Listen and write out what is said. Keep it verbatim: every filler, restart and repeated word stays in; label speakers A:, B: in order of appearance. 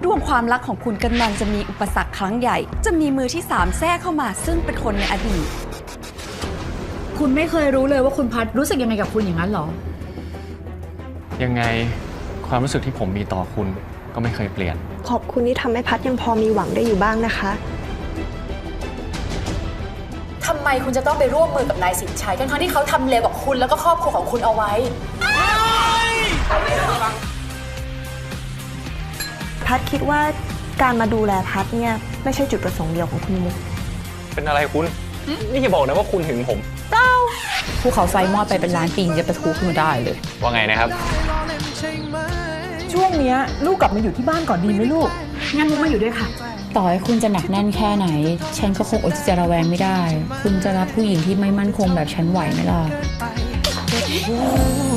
A: วงความรักของคุณกำลังจะมีอุปสรรคครั้งใหญ่จะมีมือที่สามแทรกเข้ามาซึ่งเป็นคนในอดีต
B: คุณไม่เคยรู้เลยว่าคุณพัดรู้สึกยังไงกับคุณอย่างนั้นหรอ
C: ยังไงความรู้สึกที่ผมมีต่อคุณก็ไม่เคยเปลี่ยน
D: ขอบคุณที่ทำให้พัดยังพอมีหวังได้อยู่บ้างนะคะ
E: ทำไมคุณจะต้องไปร่วมมือกับนายสินชัยทั้งๆที่เขาทำเลวกับคุณแล้วก็ครอบครัวของคุณเอาไว้
D: พัดคิดว่าการมาดูแลพัดเนี่ยไม่ใช่จุดประสงค์เดียวของคุณมุก
C: เป็นอะไรคุณนี่อย่าบอกนะว่าคุณหึงผม
B: ภูเขาไฟมอดไปเป็นล้านปีจะประทุขึ้นมาได้เลย
C: ว่าไงนะครับ
F: ช่วงนี้ลูกกลับมาอยู่ที่บ้านก่อนดีไหมลูก
B: งั้นมุกมาอยู่ด้วยค่ะ
G: ต่อให้คุณจะหนักแน่นแค่ไหนฉันก็คงอดที่จะระแวงไม่ได้คุณจะรับผู้หญิงที่ไม่มั่นคงแบบฉันไหวไหมล่ะ